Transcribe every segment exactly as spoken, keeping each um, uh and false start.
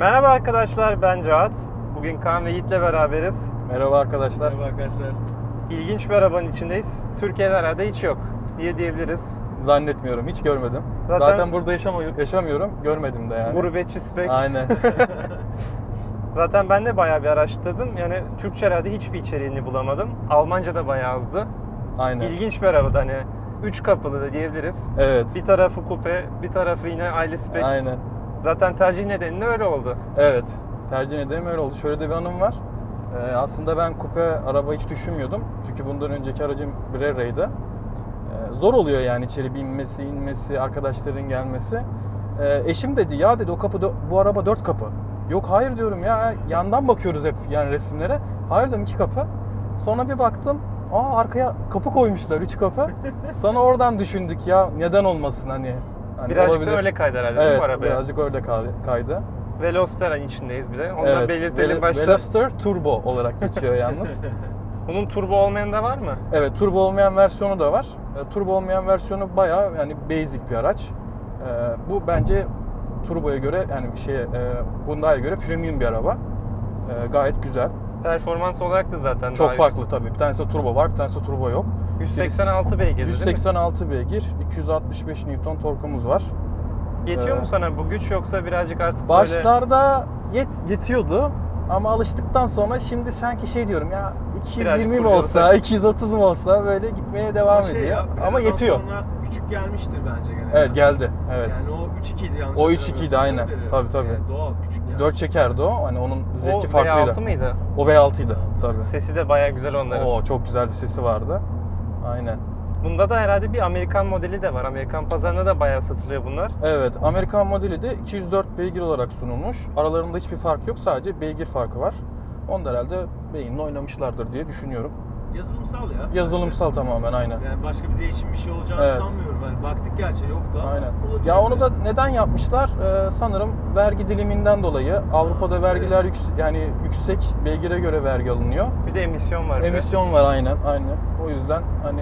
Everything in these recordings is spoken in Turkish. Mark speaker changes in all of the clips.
Speaker 1: Merhaba arkadaşlar, ben Cahat. Bugün Kaan ve Yiğit'le beraberiz.
Speaker 2: Merhaba arkadaşlar.
Speaker 3: Merhaba arkadaşlar.
Speaker 1: İlginç bir arabanın içindeyiz. Türkiye'de herhalde hiç yok diye diyebiliriz.
Speaker 2: Zannetmiyorum, hiç görmedim.
Speaker 1: Zaten-
Speaker 2: Zaten, burada yaşam- yaşamıyorum, görmedim de yani.
Speaker 1: Gurbetçi spek.
Speaker 2: Aynen.
Speaker 1: Zaten ben de bayağı bir araştırdım. Yani Türkçe herhalde hiçbir içeriğini bulamadım. Almanca da bayağı azdı.
Speaker 2: Aynen.
Speaker 1: İlginç bir araba, hani üç kapılı da diyebiliriz.
Speaker 2: Evet.
Speaker 1: Bir tarafı kupe, bir tarafı yine aile spek.
Speaker 2: Aynen.
Speaker 1: Zaten tercih nedeni de öyle oldu.
Speaker 2: Evet. Tercih ederim öyle oldu. Şöyle de bir anım var. Ee, aslında ben kupe araba hiç düşünmüyordum. Çünkü bundan önceki aracım Brera'ydı. Ee, zor oluyor yani içeri binmesi, inmesi, arkadaşların gelmesi. Ee, eşim dedi ya dedi o kapı dö- bu araba dört kapı. Yok hayır diyorum ya, yandan bakıyoruz hep yani resimlere. Hayır dedim iki kapı. Sonra bir baktım, aa arkaya kapı koymuşlar, üç kapı. Sonra oradan düşündük ya neden olmasın hani. hani
Speaker 1: Birazcık
Speaker 2: olabilir.
Speaker 1: da öyle kaydı herhalde değil mi
Speaker 2: Evet,
Speaker 1: bu arabaya?
Speaker 2: birazcık öyle kay- kaydı.
Speaker 1: Veloster'ın içindeyiz bir de. Onu da
Speaker 2: Evet,
Speaker 1: belirtelim
Speaker 2: Vel-
Speaker 1: başta.
Speaker 2: Veloster Turbo olarak geçiyor yalnız.
Speaker 1: Bunun turbo olmayan da var mı?
Speaker 2: Evet, turbo olmayan versiyonu da var. E, turbo olmayan versiyonu bayağı yani basic bir araç. E, bu bence turboya göre yani şey e, Hyundai'ye göre premium bir araba. E, gayet güzel.
Speaker 1: Performans olarak da zaten
Speaker 2: Çok
Speaker 1: daha
Speaker 2: farklı tabii. Bir tanesi turbo var, bir tanesi turbo yok.
Speaker 1: yüz seksen altı beygir değil mi?
Speaker 2: yüz seksen altı beygir, iki yüz altmış beş Newton torkumuz var.
Speaker 1: Yetiyor
Speaker 2: Ee,
Speaker 1: mu sana bu güç, yoksa birazcık artık böyle...
Speaker 2: Başlarda yet, yetiyordu ama alıştıktan sonra şimdi sanki şey diyorum ya iki yüz yirmi mi
Speaker 1: Birazcık
Speaker 2: olsa,
Speaker 1: kurcalasak.
Speaker 2: iki yüz otuz mu olsa böyle gitmeye devam
Speaker 3: Şey
Speaker 2: ediyor.
Speaker 3: ya,
Speaker 2: Ama
Speaker 3: Renault'dan
Speaker 2: yetiyor.
Speaker 3: Sonra küçük gelmiştir bence gene.
Speaker 2: Evet geldi. Evet.
Speaker 3: Yani o üç ikiydi yanlış
Speaker 2: O üç ikiydi,
Speaker 3: hatırlamıyorsam,
Speaker 2: aynen.
Speaker 3: değil mi?
Speaker 2: Tabii, tabii.
Speaker 3: Yani doğal küçük yani.
Speaker 2: dört çekerdi o. Hani onun zevki
Speaker 1: O V
Speaker 2: farklıydı.
Speaker 1: altı mıydı?
Speaker 2: O V altıydı tabii.
Speaker 1: Sesi de bayağı güzel onların.
Speaker 2: Oo çok güzel bir sesi vardı. Aynen.
Speaker 1: Bunda da herhalde bir Amerikan modeli de var. Amerikan pazarında da bayağı satılıyor bunlar.
Speaker 2: Evet, Amerikan modeli de iki yüz dört beygir olarak sunulmuş. Aralarında hiçbir fark yok, sadece beygir farkı var. Onu da herhalde beyinle oynamışlardır diye düşünüyorum.
Speaker 3: Yazılımsal ya.
Speaker 2: Yazılımsal tamamen aynen.
Speaker 3: Yani başka bir değişim bir şey olacağını
Speaker 2: Evet.
Speaker 3: sanmıyorum. Yani baktık gerçi yok da.
Speaker 2: Aynen.
Speaker 3: olabilir
Speaker 2: Ya onu da
Speaker 3: yani.
Speaker 2: neden yapmışlar? Ee, sanırım vergi diliminden dolayı. Avrupa'da vergiler
Speaker 3: Evet.
Speaker 2: yüks- yani yüksek, beygire göre vergi alınıyor.
Speaker 1: Bir de emisyon var. bir de.
Speaker 2: Emisyon var aynen, aynen. O yüzden hani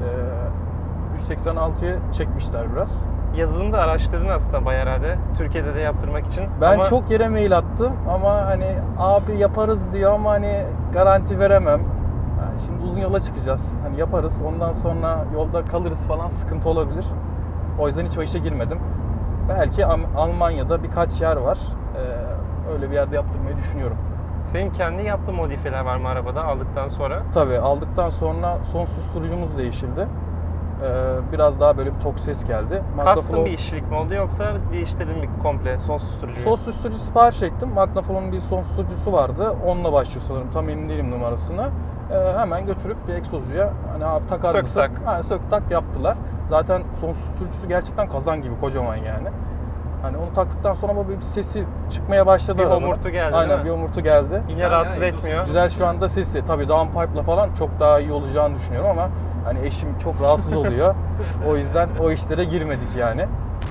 Speaker 2: e, yüz seksen altıya çekmişler biraz.
Speaker 1: Yazılımda araştırdın aslında bayağı herhalde. Türkiye'de de yaptırmak için.
Speaker 2: Ben
Speaker 1: Ama
Speaker 2: çok yere mail attım ama hani abi yaparız diyor ama hani garanti veremem. Yani şimdi uzun yola çıkacağız. Hani yaparız. Ondan sonra yolda kalırız falan, sıkıntı olabilir. O yüzden hiç o işe girmedim. Belki Am- Almanya'da birkaç yer var. Ee, öyle bir yerde yaptırmayı düşünüyorum.
Speaker 1: senin kendi yaptığın modifiyeler var mı arabada aldıktan sonra?
Speaker 2: Tabii aldıktan sonra son susturucumuz değişildi. Ee, biraz daha böyle bir tok ses geldi.
Speaker 1: Custom
Speaker 2: Magnaflow-
Speaker 1: bir işçilik mi oldu, yoksa değiştirdin mi komple son susturucuyu?
Speaker 2: Son susturucu sipariş ettim. Magnaflo'nun bir son susturucusu vardı. Onunla başlıyor sanırım. Tam emin değilim numarasını. Ee, hemen götürüp bir egzozuya hani abi takar
Speaker 1: Sök
Speaker 2: mısın?
Speaker 1: tak.
Speaker 2: Ha, sök tak yaptılar. Zaten son susturucusu gerçekten kazan gibi kocaman yani. Hani onu taktıktan sonra böyle bir sesi çıkmaya başladı.
Speaker 1: Bir
Speaker 2: arada.
Speaker 1: homurtu geldi,
Speaker 2: Aynen
Speaker 1: değil mi?
Speaker 2: bir homurtu geldi.
Speaker 1: Yine
Speaker 3: Güzel
Speaker 1: rahatsız
Speaker 3: ya,
Speaker 1: etmiyor.
Speaker 2: Güzel şu anda sesi. Tabii downpipe'la falan çok daha iyi olacağını düşünüyorum ama hani eşim çok rahatsız oluyor. O yüzden o işlere girmedik yani.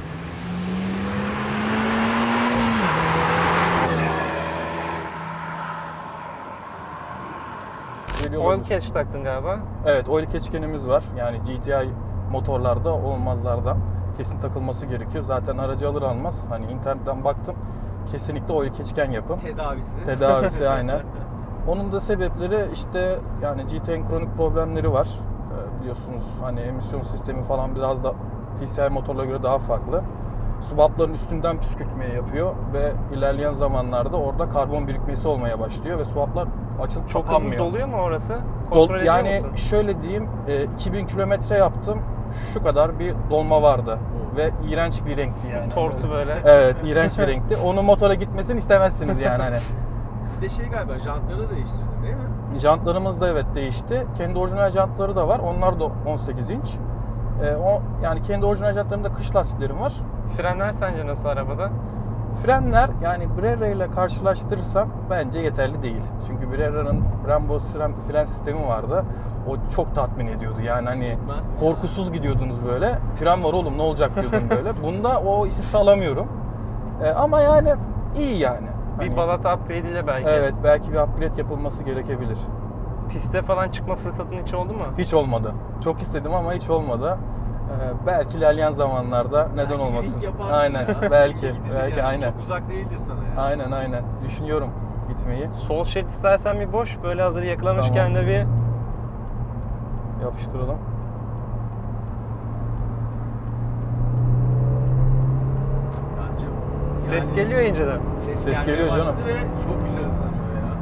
Speaker 2: Geliyor
Speaker 1: Oil
Speaker 2: olmuş.
Speaker 1: catch taktın galiba.
Speaker 2: Evet, oil keçkenimiz var. Yani G T I motorlarda olmazlardan kesin takılması gerekiyor. Zaten aracı alır almaz hani internetten baktım. Kesinlikle oil keçken yapın.
Speaker 3: Tedavisi.
Speaker 2: Tedavisi aynen. Onun da sebepleri işte yani G T I'nin kronik problemleri var. Ee, biliyorsunuz hani emisyon sistemi falan biraz da T C I motorlara göre daha farklı. Subapların üstünden püskürtmeyi yapıyor ve ilerleyen zamanlarda orada karbon birikmesi olmaya başlıyor ve subaplar açılıp
Speaker 1: Çok hızlı
Speaker 2: kapanmıyor.
Speaker 1: doluyor mu orası?
Speaker 2: Dol-
Speaker 1: Kontrol ediyor
Speaker 2: yani
Speaker 1: musun?
Speaker 2: şöyle diyeyim, e, iki bin kilometre yaptım, şu kadar bir dolma vardı ve iğrenç bir renkti yani.
Speaker 1: Tortu böyle.
Speaker 2: Evet, iğrenç bir renkti. Onun motora gitmesini istemezsiniz yani hani.
Speaker 3: Bir de şey galiba jantları da değiştirdin değil mi?
Speaker 2: Jantlarımız da evet değişti. Kendi orijinal jantları da var. Onlar da on sekiz inç. E, o yani kendi orijinal jantlarımda kış lastiklerim var.
Speaker 1: Frenler sence nasıl arabada?
Speaker 2: Frenler yani Brera ile karşılaştırırsam bence yeterli değil. Çünkü Brera'nın Brembo fren, fren sistemi vardı. O çok tatmin ediyordu. Yani hani
Speaker 3: Ben-
Speaker 2: korkusuz gidiyordunuz böyle. Fren var oğlum ne olacak diyordum böyle. Bunda o hissi sağlamıyorum. Ee, ama yani iyi yani.
Speaker 1: Bir
Speaker 2: Hani,
Speaker 1: balata upgrade ile belki.
Speaker 2: evet belki bir upgrade yapılması gerekebilir.
Speaker 1: Piste falan çıkma fırsatın hiç oldu mu?
Speaker 2: Hiç olmadı. Çok istedim ama hiç olmadı. Ee, belki ilerleyen zamanlarda neden
Speaker 3: Belki
Speaker 2: olmasın.
Speaker 3: link yaparsın
Speaker 2: Aynen.
Speaker 3: ya.
Speaker 2: belki.
Speaker 3: Gidilir
Speaker 2: belki
Speaker 3: yani.
Speaker 2: aynen.
Speaker 3: Çok uzak değildir sana yani.
Speaker 2: Aynen aynen. Düşünüyorum gitmeyi.
Speaker 1: Sol şerit istersen bir boş. Böyle hazır yakalamışken
Speaker 2: Tamam.
Speaker 1: de bir
Speaker 2: Yapıştıralım.
Speaker 3: Bence
Speaker 1: ses
Speaker 3: yani
Speaker 1: geliyor inceden.
Speaker 3: Ses,
Speaker 2: Ses
Speaker 3: gelmeye
Speaker 2: geliyor
Speaker 3: başladı
Speaker 2: canım.
Speaker 3: ve çok güzel hızlanıyor ya.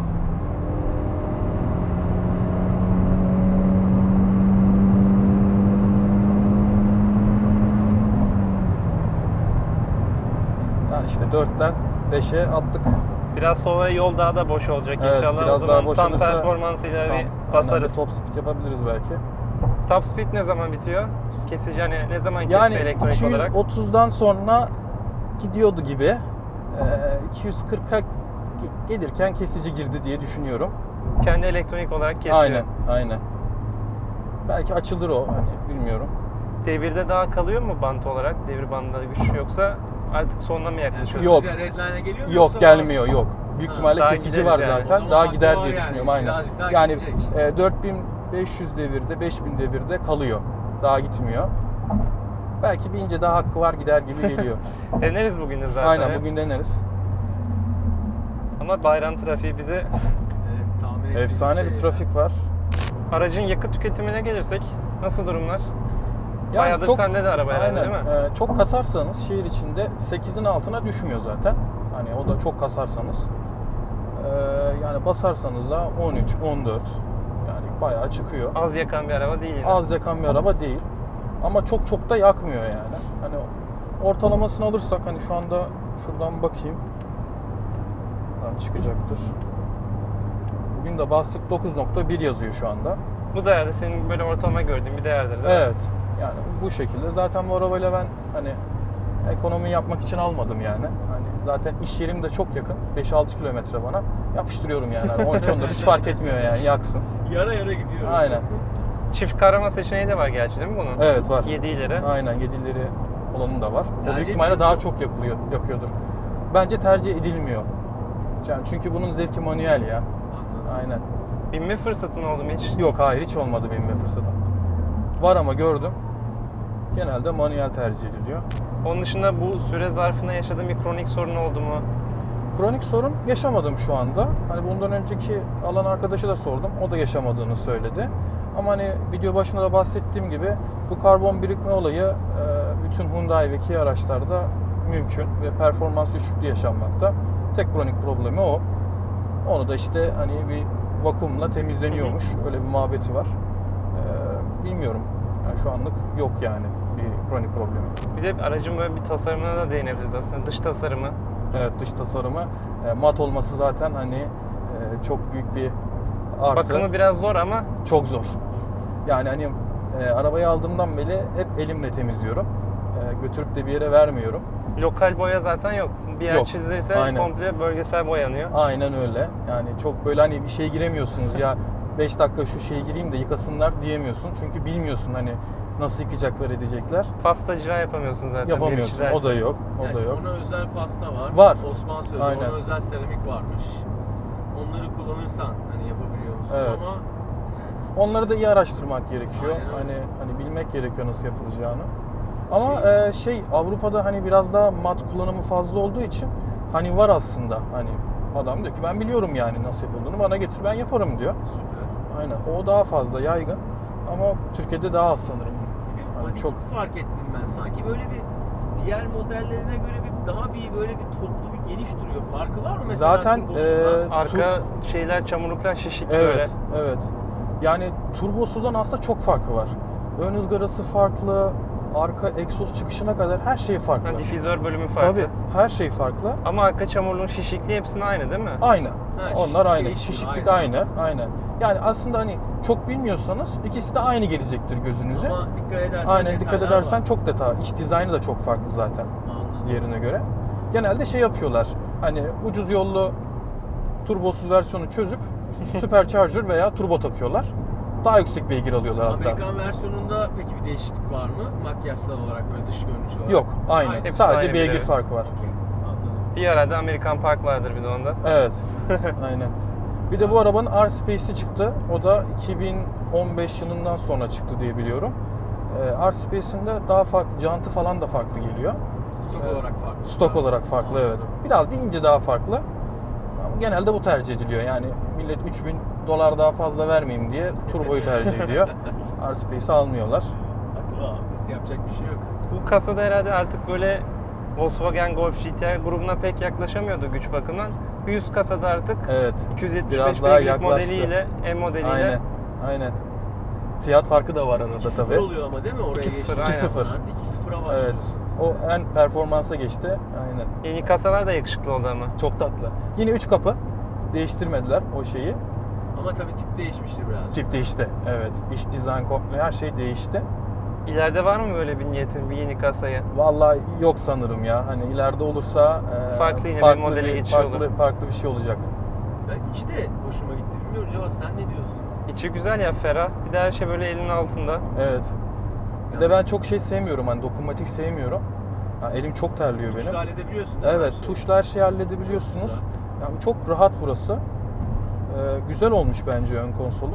Speaker 2: Yani işte dörtten beşe attık.
Speaker 1: Biraz sonra yol daha da boş olacak
Speaker 2: Evet,
Speaker 1: inşallah.
Speaker 2: biraz
Speaker 1: o
Speaker 2: daha
Speaker 1: zaman tam
Speaker 2: boşalırsa
Speaker 1: performansıyla
Speaker 2: Tam,
Speaker 1: bir
Speaker 2: aynen,
Speaker 1: basarız.
Speaker 2: bir top speed yapabiliriz belki.
Speaker 1: Top speed ne zaman bitiyor? Kesici hani ne zaman
Speaker 2: Yani
Speaker 1: kesiyor elektronik olarak?
Speaker 2: iki yüz otuzdan sonra gidiyordu gibi. Ee, iki yüz kırka ge- gelirken kesici girdi diye düşünüyorum.
Speaker 1: Kendi elektronik olarak kesiyor.
Speaker 2: Aynen, aynen. Belki açılır o, hani bilmiyorum.
Speaker 1: Devirde daha kalıyor mu bant olarak? Devir bandında güç yoksa artık sonuna mı yaklaşıyoruz?
Speaker 2: Yok.
Speaker 3: Size Redline'a geliyor mu
Speaker 2: Yok,
Speaker 3: yoksa-
Speaker 2: gelmiyor, yok. Büyük
Speaker 3: Ha,
Speaker 2: ihtimalle
Speaker 1: daha
Speaker 2: kesici
Speaker 1: gideriz
Speaker 2: var
Speaker 1: yani.
Speaker 3: O
Speaker 2: zaten.
Speaker 3: zaman
Speaker 2: Daha
Speaker 3: hakkı
Speaker 2: gider
Speaker 3: var
Speaker 2: diye
Speaker 3: yani.
Speaker 2: düşünüyorum, aynen.
Speaker 3: Birazcık daha
Speaker 2: Yani
Speaker 3: gidecek.
Speaker 2: e, dört bin beş yüz devirde, beş bin devirde kalıyor. Daha gitmiyor. Belki bir ince daha hakkı var, gider gibi geliyor.
Speaker 1: Deneriz bugün de zaten.
Speaker 2: Aynen, bugün deneriz.
Speaker 1: Ama bayram trafiği bize...
Speaker 3: Evet, tahmin ettiğim
Speaker 2: Efsane
Speaker 3: şey
Speaker 2: bir
Speaker 3: ya.
Speaker 2: trafik var.
Speaker 1: Aracın yakıt tüketimine gelirsek nasıl durumlar?
Speaker 2: Yani
Speaker 1: Bayağıdır
Speaker 2: çok-
Speaker 1: sende de araba herhalde
Speaker 2: aynen,
Speaker 1: değil mi?
Speaker 2: e, çok kasarsanız şehir içinde sekizin altına düşmüyor zaten. Hani o da çok kasarsanız. E, yani basarsanız da on üç, on dört. Yani bayağı çıkıyor.
Speaker 1: Az yakan bir araba değil yine.
Speaker 2: Az yakan bir araba değil. Ama çok çok da yakmıyor yani. Hani ortalamasını alırsak hani şu anda şuradan bakayım. Buradan çıkacaktır. Bugün de bastık dokuz nokta bir yazıyor şu anda.
Speaker 1: Bu değerde senin böyle ortalama gördüğün bir değerdir değil mi?
Speaker 2: Evet. Yani bu şekilde. Zaten bu arabayla ben hani ekonomi yapmak için almadım yani. Hani zaten iş yerim de çok yakın. beş altı kilometre bana. Yapıştırıyorum yani. Hani on üç on dört hiç fark etmiyor yani. Yaksın.
Speaker 3: Yara yara gidiyor.
Speaker 2: Aynen.
Speaker 1: Çift kavrama seçeneği de var gerçi değil mi bunun?
Speaker 2: Evet, var.
Speaker 1: yedi ileri.
Speaker 2: Aynen, yedileri olanı da var. O
Speaker 3: Tercih
Speaker 2: büyük ihtimalle
Speaker 3: ediliyor
Speaker 2: daha
Speaker 3: mu?
Speaker 2: çok yakılıyor, yakıyordur. Bence tercih edilmiyor. Yani çünkü bunun zevki manuel ya.
Speaker 3: Anladım.
Speaker 2: Aynen.
Speaker 1: Binme fırsatın oldu mu hiç?
Speaker 2: Yok, hayır, hiç olmadı binme fırsatım. Var ama gördüm. Genelde manuel tercih ediliyor.
Speaker 1: Onun dışında bu süre zarfında yaşadığın bir kronik sorun oldu mu?
Speaker 2: Kronik sorun yaşamadım şu anda. Hani bundan önceki alan arkadaşa da sordum. O da yaşamadığını söyledi. Ama hani video başında da bahsettiğim gibi bu karbon birikme olayı e, bütün Hyundai ve Kia araçlarda mümkün ve performans düşüklüğü yaşanmakta. Tek kronik problemi o. Onu da işte hani bir vakumla temizleniyormuş. Öyle bir muhabbeti var. E, bilmiyorum. Yani şu anlık yok yani bir kronik problemi.
Speaker 1: Bir de aracın böyle bir tasarımına da değinebiliriz aslında. Dış tasarımı.
Speaker 2: Evet, dış tasarımı e, mat olması zaten hani e, çok büyük bir artı.
Speaker 1: Bakımı biraz zor ama
Speaker 2: Çok zor. Yani hani e, arabayı aldığımdan beri hep elimle temizliyorum. E, götürüp de bir yere vermiyorum.
Speaker 1: lokal boya zaten yok. Bir yer
Speaker 2: Yok,
Speaker 1: çizilirse
Speaker 2: aynen.
Speaker 1: komple bölgesel boyanıyor.
Speaker 2: Aynen öyle. Yani çok böyle hani bir şeye giremiyorsunuz ya beş dakika şu şeye gireyim de yıkasınlar diyemiyorsun. Çünkü bilmiyorsun hani nasıl yıkayacaklar, edecekler.
Speaker 1: Pasta cila yapamıyorsun zaten. bir yeri
Speaker 2: Yapamıyorsun. O
Speaker 1: çizersen.
Speaker 2: da yok. O
Speaker 3: Yani
Speaker 2: da
Speaker 3: işte
Speaker 2: yok.
Speaker 3: ona özel pasta var.
Speaker 2: Var.
Speaker 3: Osman söyledi.
Speaker 2: Aynen.
Speaker 3: Ona özel seramik varmış. Onları kullanırsan hani yapabiliyor musun
Speaker 2: Evet.
Speaker 3: ama
Speaker 2: Onları da iyi araştırmak gerekiyor.
Speaker 3: Aynen
Speaker 2: Hani
Speaker 3: öyle.
Speaker 2: hani bilmek gerekiyor nasıl yapılacağını. Ama
Speaker 3: Şey-
Speaker 2: e, şey Avrupa'da hani biraz daha mat kullanımı fazla olduğu için hani var aslında. Hani adam diyor ki ben biliyorum yani nasıl yapıldığını, bana getir ben yaparım diyor.
Speaker 3: süper.
Speaker 2: Aynen. O daha fazla yaygın ama Türkiye'de daha az sanırım.
Speaker 3: Bir
Speaker 2: Hani
Speaker 3: body
Speaker 2: çok-
Speaker 3: kit fark ettim ben. Sanki böyle bir diğer modellerine göre bir daha bir böyle bir toplu bir geniş duruyor. Farkı var mı mesela?
Speaker 2: Zaten,
Speaker 3: turbosuzda?
Speaker 2: e,
Speaker 1: Arka şeyler, çamurluklar şişik böyle.
Speaker 2: Evet, evet. Yani turbosudan aslında çok farkı var. Ön ızgarası farklı, arka egzoz çıkışına kadar her şey farklı.
Speaker 1: Ha, difüzör bölümü farklı.
Speaker 2: Tabii, her şey farklı.
Speaker 1: Ama arka çamurluğun şişikliği hepsinin aynı değil mi?
Speaker 2: Aynı.
Speaker 3: şişiklik
Speaker 2: Onlar aynı.
Speaker 3: değişiyor,
Speaker 2: Şişiklik
Speaker 3: aynı.
Speaker 2: aynı. Aynen. Yani aslında hani çok bilmiyorsanız ikisi de aynı gelecektir gözünüze.
Speaker 3: Ama dikkat edersen
Speaker 2: Aynen, dikkat
Speaker 3: detaylar
Speaker 2: edersen
Speaker 3: var.
Speaker 2: çok detay. İç dizaynı da çok farklı zaten
Speaker 3: Anladım.
Speaker 2: diğerine göre. Genelde şey yapıyorlar. Hani ucuz yollu turbosuz versiyonu çözüp supercharger veya turbo takıyorlar. Daha yüksek beygir alıyorlar hatta.
Speaker 3: Amerikan versiyonunda peki bir değişiklik var mı? Makyajsal olarak böyle dış görünüş olarak.
Speaker 2: Yok, aynı.
Speaker 1: Hepsi
Speaker 2: Sadece
Speaker 1: aynı
Speaker 2: beygir
Speaker 1: bir de.
Speaker 2: farkı var.
Speaker 3: Okey, anladım.
Speaker 1: Bir arada Amerikan Park vardır bir de onda.
Speaker 2: Evet. Aynen. Bir de bu arabanın R-Space'i çıktı. O da iki bin on beş yılından sonra çıktı diye biliyorum. E, R-Space'in de daha farklı, jantı falan da farklı geliyor.
Speaker 3: Stok
Speaker 2: Evet.
Speaker 3: olarak farklı.
Speaker 2: Stok olarak farklı, evet. Biraz bir ince daha farklı. Ama genelde bu tercih ediliyor. Yani millet üç bin dolar daha fazla vermeyeyim diye turboyu tercih ediyor. R-Space'i almıyorlar.
Speaker 3: Haklı abi. Yapacak bir şey yok.
Speaker 1: Bu kasada herhalde artık böyle Volkswagen Golf G T I grubuna pek yaklaşamıyordu güç bakımından. Bir üst kasada artık
Speaker 2: Evet.
Speaker 1: iki yüz yetmiş
Speaker 2: Biraz
Speaker 1: beş
Speaker 2: daha
Speaker 1: beygirlik
Speaker 2: yaklaştı.
Speaker 1: modeliyle, M modeliyle
Speaker 2: Aynen. Aynen. Fiyat farkı da var arada
Speaker 3: iki sıfır
Speaker 2: tabii.
Speaker 3: oluyor ama değil mi? Oraya
Speaker 1: iki sıfır,
Speaker 3: geçince?
Speaker 1: aynen.
Speaker 2: iki sıfır.
Speaker 3: Artık iki sıfıra başlıyor.
Speaker 2: Evet. O en performansa geçti. Aynen.
Speaker 1: yeni kasalar da yakışıklı oldu ama.
Speaker 2: Çok tatlı. Yine üç kapı. Değiştirmediler o şeyi.
Speaker 3: Ama tabii tip değişmiştir biraz.
Speaker 2: Tip değişti. Evet. İç dizayn komple her şey değişti.
Speaker 1: İleride var mı böyle bir niyetin, bir yeni kasaya?
Speaker 2: Vallahi yok sanırım ya. Hani ileride olursa e,
Speaker 1: Farklı yine bir modele geçiş
Speaker 2: farklı,
Speaker 1: olur.
Speaker 2: farklı bir şey olacak.
Speaker 3: Ben içi de hoşuma gitti. Bilmiyorum Cevat, sen ne diyorsun?
Speaker 1: İçi güzel ya, ferah. Bir de her şey böyle elinin altında.
Speaker 2: Evet. Bir de ben çok şey sevmiyorum. Hani dokunmatik sevmiyorum. Ha, elim çok terliyor
Speaker 3: Tuşla
Speaker 2: benim.
Speaker 3: halledebiliyorsun değil mi
Speaker 2: Evet,
Speaker 3: her şeyi?
Speaker 2: tuşla her şeyi halledebiliyorsunuz. Yani çok rahat burası. Ee, güzel olmuş bence ön konsolu.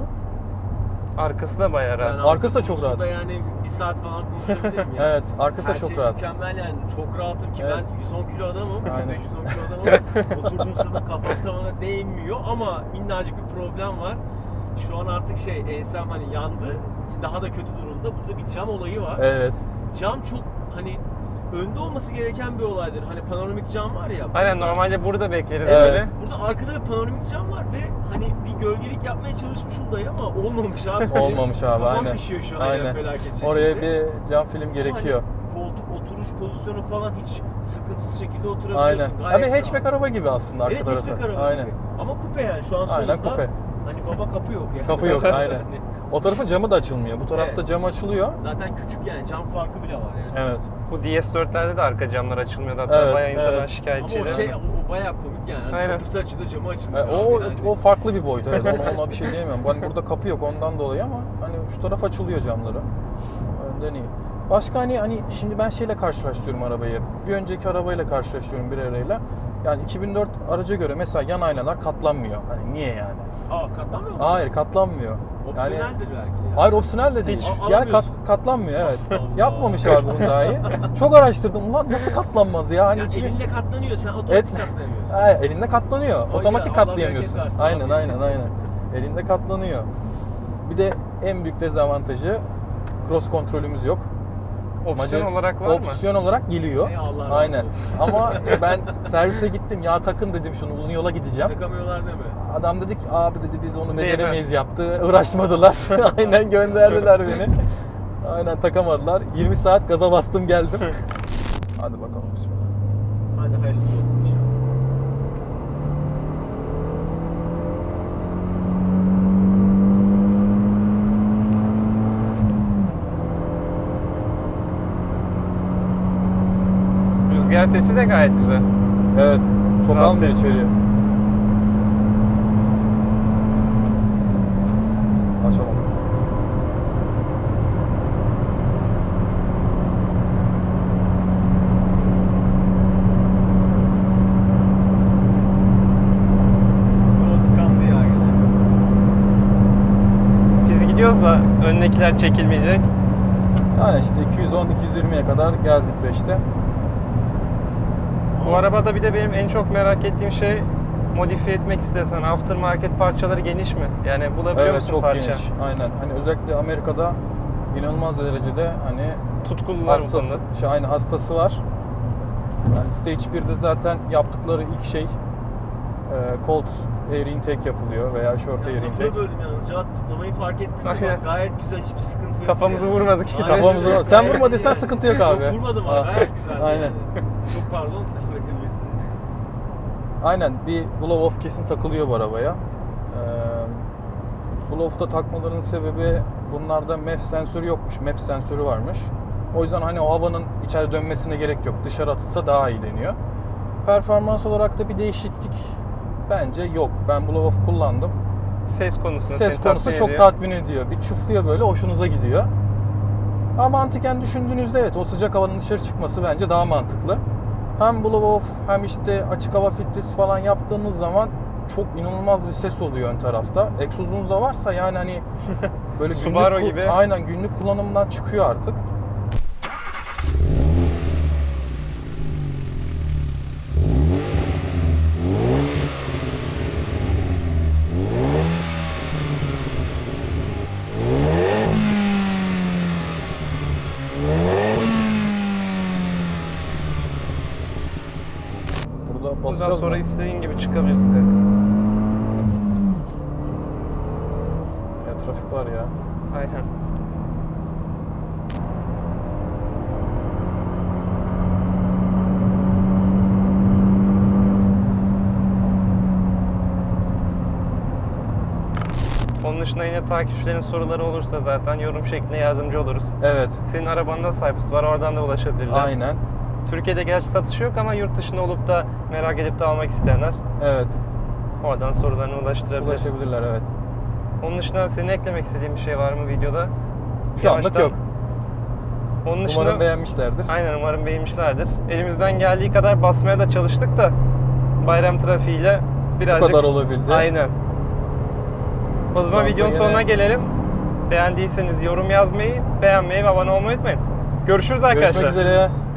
Speaker 1: Arkası da bayağı rahat.
Speaker 3: Yani
Speaker 2: Arkası da çok
Speaker 3: konusunda
Speaker 2: rahat.
Speaker 3: Yani bir saat falan konuşabilirim yani.
Speaker 2: Evet, arkası da
Speaker 3: Her
Speaker 2: çok
Speaker 3: şey
Speaker 2: rahat.
Speaker 3: mükemmel yani. Çok rahatım ki
Speaker 2: Evet.
Speaker 3: ben yüz on kilo adamım.
Speaker 2: Aynen.
Speaker 3: yüz on kilo adamım. Oturduğum sırada kafam tavana değmiyor ama minnacık bir problem var. Şu an artık şey ensem hani yandı. Daha da kötü durumda. Burada bir cam olayı var.
Speaker 2: Evet.
Speaker 3: Cam çok hani önde olması gereken bir olaydır. Hani panoramik cam var ya.
Speaker 1: Aynen,
Speaker 3: burada-
Speaker 1: normalde burada bekleriz
Speaker 2: Evet.
Speaker 1: böyle.
Speaker 3: Burada arkada bir panoramik cam var ve hani bir gölgelik yapmaya çalışmışım dayı ama olmamış abi.
Speaker 2: Olmamış abi,
Speaker 3: Kafam
Speaker 2: aynen.
Speaker 3: pişiyor şu an ya
Speaker 2: Aynen.
Speaker 3: felaket şekilde.
Speaker 2: Oraya bir cam film
Speaker 3: Ama
Speaker 2: gerekiyor.
Speaker 3: hani koltuk oturuş pozisyonu falan hiç sıkıntısız şekilde oturabiliyorsun.
Speaker 2: Aynen.
Speaker 3: Gayet
Speaker 2: Abi hatchback
Speaker 3: rahat.
Speaker 2: araba gibi aslında arka
Speaker 3: Evet,
Speaker 2: tarafı.
Speaker 3: hatchback araba
Speaker 2: Aynen.
Speaker 3: gibi. Ama kupe yani şu an
Speaker 2: Aynen
Speaker 3: sonunda.
Speaker 2: kupe.
Speaker 3: Hani baba kapı yok yani.
Speaker 2: Kapı yok, aynen. O tarafın camı da açılmıyor. Bu tarafta
Speaker 3: Evet.
Speaker 2: cam açılıyor.
Speaker 3: Zaten küçük yani cam farkı bile var yani.
Speaker 2: Evet.
Speaker 1: Bu D S dörtlerde de arka camlar açılmıyordu. Hatta
Speaker 2: Evet,
Speaker 1: bayağı insanlar
Speaker 2: evet.
Speaker 3: Ama
Speaker 1: şikayetçiydi.
Speaker 3: o şey o, o bayağı komik yani. Hani
Speaker 1: Aynen.
Speaker 3: kapısı açılıyor, camı
Speaker 2: E,
Speaker 3: açılıyor.
Speaker 2: o
Speaker 3: Yani.
Speaker 2: o farklı bir boyut. Evet. Ona, ona bir şey diyemem. Hani burada kapı yok ondan dolayı ama hani şu taraf açılıyor camları. Önden iyi. Başka hani hani şimdi ben şeyle karşılaştırıyorum arabayı. Bir önceki arabayla karşılaştırıyorum bir arayla. Yani iki bin dört araca göre mesela yan aynalar katlanmıyor. Hani niye yani?
Speaker 3: Aa katlanmıyor mu?
Speaker 2: Hayır, katlanmıyor.
Speaker 3: Opsiyoneldir belki. Ya.
Speaker 2: Hayır, opsiyonel de değil.
Speaker 3: Hiç
Speaker 2: Yani kat,
Speaker 3: alamıyorsun.
Speaker 2: katlanmıyor, evet.
Speaker 3: Allah.
Speaker 2: Yapmamış abi bunu daha iyi. Çok araştırdım. Ulan nasıl katlanmaz ya? Hani
Speaker 3: Ya
Speaker 2: iki bin
Speaker 3: elinle katlanıyor, sen otomatik
Speaker 2: Evet.
Speaker 3: katlanamıyorsun.
Speaker 2: Ha, elinde katlanıyor.
Speaker 3: O
Speaker 2: Otomatik
Speaker 3: ya, Allah
Speaker 2: katlayamıyorsun.
Speaker 3: bereket versin
Speaker 2: Aynen
Speaker 3: abi.
Speaker 2: aynen aynen. Elinde katlanıyor. Bir de en büyük dezavantajı cross kontrolümüz yok.
Speaker 1: Opsiyon
Speaker 2: Macar-
Speaker 1: olarak var mı?
Speaker 2: Opsiyon olarak geliyor.
Speaker 3: Ey Allah razı
Speaker 2: Aynen.
Speaker 3: olsun.
Speaker 2: Ama ben servise gittim. Ya takın dedim şunu, uzun yola gideceğim.
Speaker 3: Takamıyorlar değil mi?
Speaker 2: Adam dedi ki abi dedi biz onu
Speaker 1: Değmez.
Speaker 2: beceremeyiz yaptı. Uğraşmadılar. Aynen gönderdiler beni. Aynen takamadılar. yirmi saat gaza bastım geldim. Hadi bakalım bismillah.
Speaker 3: Hadi hayırlısı olsun inşallah.
Speaker 1: Rüzgar sesi de gayet güzel.
Speaker 2: Evet. Çok
Speaker 1: Rahatsız
Speaker 2: almıyor
Speaker 1: etmiyor.
Speaker 2: içeriye. Açalım.
Speaker 3: Yol tıkandı ya yine.
Speaker 1: Biz gidiyoruz da öndekiler çekilmeyecek.
Speaker 2: Yani işte iki yüz on iki yüz yirmiye kadar geldik beşte.
Speaker 1: Bu arabada bir de benim en çok merak ettiğim şey, modifiye etmek istesen aftermarket parçaları geniş mi? Yani bulabiliyor
Speaker 2: Evet,
Speaker 1: musun
Speaker 2: çok
Speaker 1: parça?
Speaker 2: geniş. Aynen. Hani özellikle Amerika'da inanılmaz derecede hani
Speaker 1: Tutkulular bu
Speaker 2: hastası,
Speaker 1: konuda.
Speaker 2: şey, aynı hastası var. Yani Stage birde zaten yaptıkları ilk şey e, cold air intake yapılıyor veya short air
Speaker 3: Yani
Speaker 2: intake.
Speaker 3: lafını böldüm yalnız. Cevat zıplamayı fark ettim. Bak,
Speaker 1: Aynen.
Speaker 3: gayet güzel, hiçbir sıkıntı yok.
Speaker 1: Kafamızı
Speaker 3: yani.
Speaker 1: vurmadık.
Speaker 3: Aynen.
Speaker 2: Kafamızı vur- Sen
Speaker 3: Gayet
Speaker 2: vurma
Speaker 3: iyi.
Speaker 2: desen sıkıntı yok abi.
Speaker 3: Yok, vurmadım abi,
Speaker 2: Ha.
Speaker 3: gayet güzel.
Speaker 2: Aynen.
Speaker 3: Yani. Çok pardon, devam edebilirsiniz.
Speaker 2: Aynen bir blow off kesin takılıyor bu arabaya. Ee, blow off'ta takmalarının sebebi bunlarda M E F sensörü yokmuş. M E P sensörü varmış. O yüzden hani o havanın içeri dönmesine gerek yok. Dışarı atılsa daha iyi deniyor. Performans olarak da bir değişiklik bence yok. Ben blow off kullandım.
Speaker 1: Ses konusunda
Speaker 2: Ses
Speaker 1: seni
Speaker 2: konusu
Speaker 1: tatmin
Speaker 2: çok
Speaker 1: ediyor.
Speaker 2: tatmin ediyor. Bir çufluyor böyle, hoşunuza gidiyor. Ama mantıken düşündüğünüzde evet o sıcak havanın dışarı çıkması bence daha mantıklı. Hem blow off hem işte açık hava filtresi falan yaptığınız zaman çok inanılmaz bir ses oluyor ön tarafta. Egzozunuz da varsa yani hani böyle günlük,
Speaker 1: Subaru
Speaker 2: ku-
Speaker 1: gibi.
Speaker 2: aynen günlük kullanımdan çıkıyor artık. Burada
Speaker 1: Bundan
Speaker 2: basacağız
Speaker 1: sonra
Speaker 2: mı?
Speaker 1: istediğin gibi çıkabilirsin kanka.
Speaker 2: Ya trafik var ya.
Speaker 1: Aynen. Onun dışında yine takipçilerin soruları olursa zaten yorum şeklinde yardımcı oluruz.
Speaker 2: Evet.
Speaker 1: Senin arabanda Cypress var, oradan da ulaşabilirler.
Speaker 2: Aynen.
Speaker 1: Türkiye'de gerçi satışı yok ama yurt dışında olup da merak edip de almak isteyenler
Speaker 2: Evet.
Speaker 1: oradan sorularını ulaştırabilir.
Speaker 2: Ulaşabilirler evet.
Speaker 1: Onun dışında senin eklemek istediğin bir şey var mı videoda?
Speaker 2: Şu anlık
Speaker 1: Yavaştan-
Speaker 2: yok.
Speaker 1: Onun dışında
Speaker 2: Umarım beğenmişlerdir.
Speaker 1: aynen umarım beğenmişlerdir. Elimizden geldiği kadar basmaya da çalıştık da bayram trafiğiyle
Speaker 2: Bu
Speaker 1: birazcık
Speaker 2: kadar olabildi.
Speaker 1: aynen. O zaman
Speaker 2: anda
Speaker 1: videonun
Speaker 2: yine-
Speaker 1: sonuna gelelim. Beğendiyseniz yorum yazmayı, beğenmeyi ve abone olmayı unutmayın. Görüşürüz arkadaşlar.
Speaker 2: Görüşmek üzere.